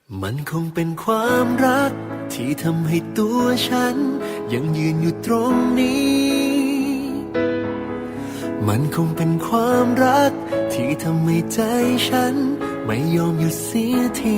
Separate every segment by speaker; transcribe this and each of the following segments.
Speaker 1: มันคงเป็นความรักที่ทำให้ตัวฉันยังยืนอยู่ตรงนี้ มันคงเป็นความรักที่ทำให้ใจฉันไม่ยอมหยุดเสียที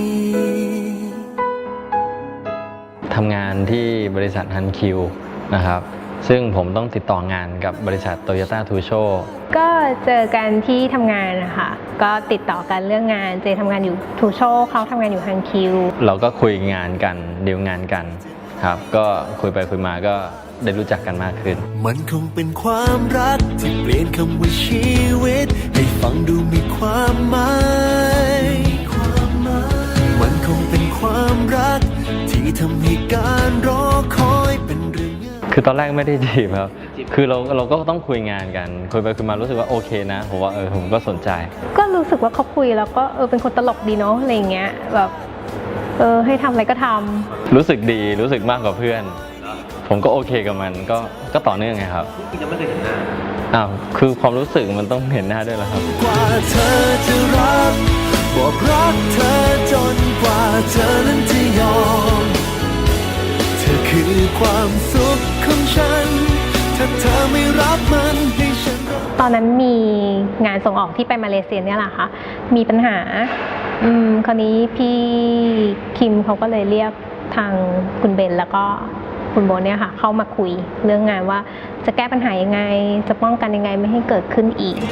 Speaker 2: ทำงานที่บริษัทฮันคิวนะครับซึ่งผมต้องติดต่องานกับบริษัทโตโยต้าทูโช
Speaker 3: ก็เจอกันที่ทำงานนะคะก็ติดต่อกันเรื่องงานเจทำงานอยู่ทูโชเขาทำงานอยู่ฮันคิว
Speaker 2: เราก็คุยงานกันดีลงานกันครับก็คุยไปคุยมาก็ได้รู้จักกันมากขึ้น
Speaker 1: มันคงเป็นความรักที่เปลี่ยนคำว่าชีวิตให้ฟังดูมีความหมายมันคงเป็นความรักที่ทำให้การรอคอยเป็นเรื่อง
Speaker 2: คือตอนแรกไม่ได้จีบครับคือเราก็ต้องคุยงานกันคุยไปคุยมารู้สึกว่าโอเคนะผมว่าผมก็สนใจ
Speaker 3: ก็รู้สึกว่าเขาคุยแล้วก็เป็นคนตลกดีเนาะอะไรเงี้ยแบบให้ทำอะไรก็ทำ
Speaker 2: รู้สึกดีรู้สึกมากกว่าเพื่อนผมก็โอเคกับมันก็ต่อเนื่องไงครับ
Speaker 4: ที่ยังไม่เคยเห็นหน้า
Speaker 2: คือความรู้สึกมันต้องเห็นหน้าด้วยแล้วครับ
Speaker 1: กว่าเธอจะรักบอกรักเธอจนกว่าเธอนั้นจะยอมเธอคือความสุขของฉันถ้าเธอไม่รับมันให้ฉัน
Speaker 3: ตอนนั้นมีงานส่งออกที่ไปมาเลเซียเนี่ยแหละค่ะมีปัญหาคราวนี้พี่คิมเขาก็เลยเรียกทางคุณเบนแล้วก็คุณโบเนี่ยค่ะเข้ามาคุยเรื่องงานว่าจะแก้ปัญหายังไงจะป้องกันยังไงไม่ให้เกิดขึ้นอีก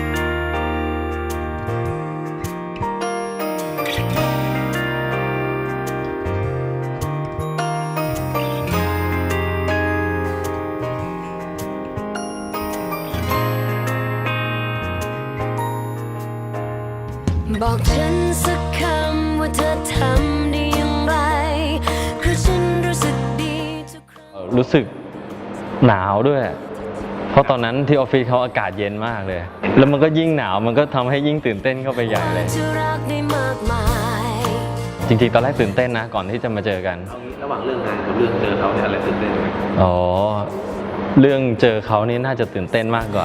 Speaker 5: บอกฉันสักคำว่าเธอทำได้อย่างไรเพราะฉันรู้สึกดี
Speaker 2: รู้สึกหนาวด้วยเพราะตอนนั้นที่ออฟฟิศเขาอากาศเย็นมากเลยแล้วมันก็ยิ่งหนาวมันก็ทำให้ยิ่งตื่นเต้นเข้าไปใหญ่เลยจริงๆตอนแรกตื่นเต้นนะก่อนที่จะมาเจอกัน
Speaker 4: ระหว่างเรื่องงานกับเรื่องเจอเขาเนี่ยอะไรตื่นเต้นไหม
Speaker 2: เรื่องเจอเขานี่น่าจะตื่นเต้นมากกว่า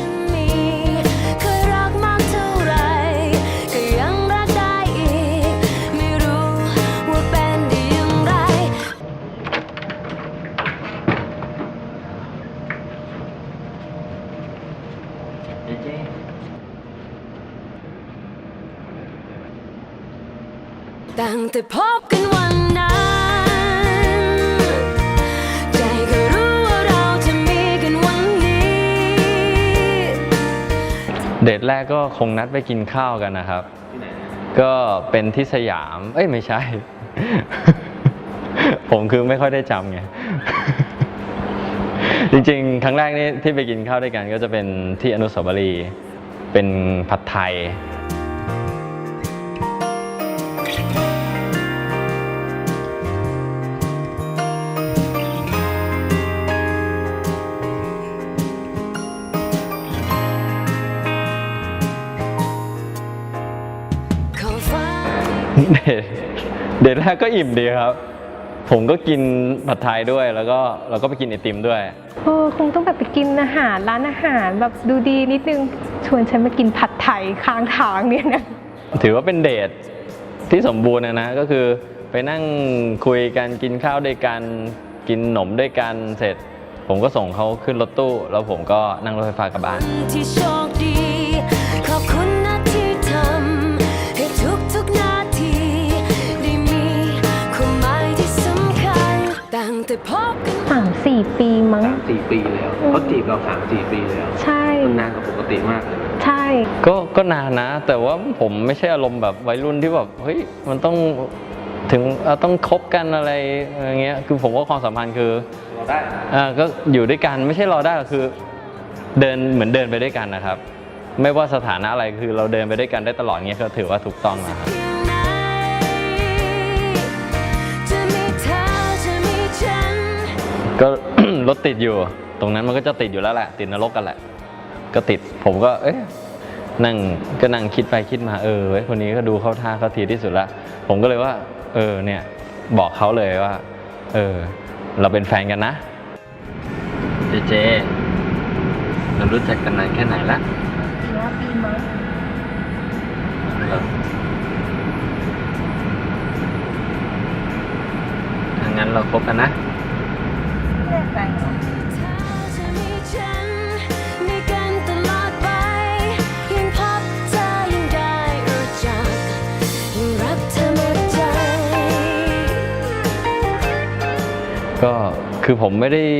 Speaker 5: ตั้งแต่พบกันวันนั้นใจก็รู้ว่าเราจะมีกันวันนี้
Speaker 2: เดทแรกก็คงนัดไปกินข้าวกันนะครับที่ไหนก็เป็นที่สยามไม่ใช่ ผมคือไม่ค่อยได้จำไง จริงๆครั้งแรกนี่ที่ไปกินข้าวด้วยกันก็จะเป็นที่อนุสาวรีย์เป็นผัดไทยเดทแรกก็อิ่มดีครับผมก็กินผัดไทยด้วยแล้วก็เราก็ไปกินไอติมด้วย
Speaker 3: คงต้องแบบไปกินอาหารร้านอาหารแบบดูดีนิดนึงชวนฉันมากินผัดไทยข้างทางเนี่ยนะ
Speaker 2: ถือว่าเป็นเดทที่สมบูรณ์นะก็คือไปนั่งคุยกันกินข้าวด้วยกันกินขนมด้วยกันเสร็จผมก็ส่งเขาขึ้นรถตู้แล้วผมก็นั่งรถไฟฟ้ากลับบ้าน
Speaker 5: ที่โชคดีขอบคุณนะที่ทำให้ทุกนาทีได้มีความหมายที่สำคัญตั้งแต่พบกัน
Speaker 3: 3-4 ปีมั้ง
Speaker 4: 3-4 ปีแล้วเขาจีบเรา3-4 ปีแล้ว
Speaker 3: ใช่
Speaker 4: มันนานกว่าปกติมากเลย
Speaker 3: ใช่
Speaker 2: ก็นานนะแต่ว่าผมไม่ใช่อารมณ์แบบวัยรุ่นที่แบบเฮ้ยมันต้องถึงต้องคบกันอะไรอย่างเงี้ยคือผมว่าความสัมพันธ์คือ
Speaker 4: รอได้
Speaker 2: ก็อยู่ด้วยกันไม่ใช่รอได้คือเดินเหมือนเดินไปด้วยกันนะครับไม่ว่าสถานะอะไรคือเราเดินไปด้วยกันได้ตลอดเงี้ยก็ถือว่าถูกต้องนะครับก็ รถติดอยู่ตรงนั้นมันก็จะติดอยู่แล้วแหละติดนรกกันแหละก็ติดผมก็นั่งคิดไปคิดมาเว้ยคนนี้ก็ดูเข้าท่าเขาทีที่สุดละผมก็เลยว่าเนี่ยบอกเขาเลยว่าเราเป็นแฟนกันนะเจเรารู้จักกันนานแค่ไหนละ
Speaker 3: 5 ปีมั้ง
Speaker 2: งั้นเราคบกันนะ
Speaker 3: แน่ใจ
Speaker 5: ถ้าจะมีฉันมีกันตลอดไปยิ่งพบเธอยิ่งได้รู้จักยิ่งรักเธอหมดใจ
Speaker 2: ก็คือผมไม่ได้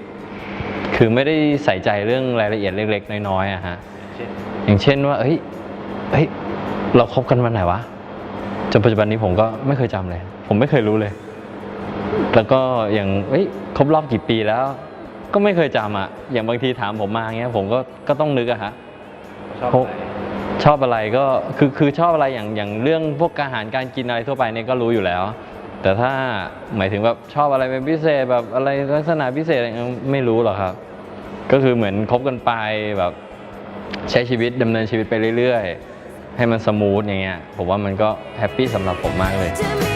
Speaker 2: ใส่ใจเรื่องรายละเอียดเล็กๆน้อยๆอะฮะ
Speaker 4: เช่น
Speaker 2: อย่างเช่นว่าเฮ้ยเราคบกันวันไหนวะจนปัจจุบันนี้ผมก็ไม่เคยจำเลย ผมไม่เคยรู้เลย แล้วก็อย่างครบรอบกี่ปีแล้ว ก็ไม่เคยจำอะอย่างบางทีถามผมมาเงี้ยผมก็ต้องนึกอะฮะ
Speaker 4: ชอบอะไร
Speaker 2: ชอบอะไรก็คือชอบอะไรอย่างเรื่องพวกอาหารการกินอะไรทั่วไปเนี่ยก็รู้อยู่แล้ว แต่ถ้าหมายถึงแบบชอบอะไรเป็นพิเศษแบบอะไรลักษณะพิเศษอะไรไม่รู้หรอกครับ ก็คือเหมือนคบกันไปแบบใช้ชีวิตดำเนินชีวิตไปเรื่อยๆให้มันสมูทอย่างเงี้ยผมว่ามันก็แฮปปี้สำหรับผมมากเลย
Speaker 5: จะมี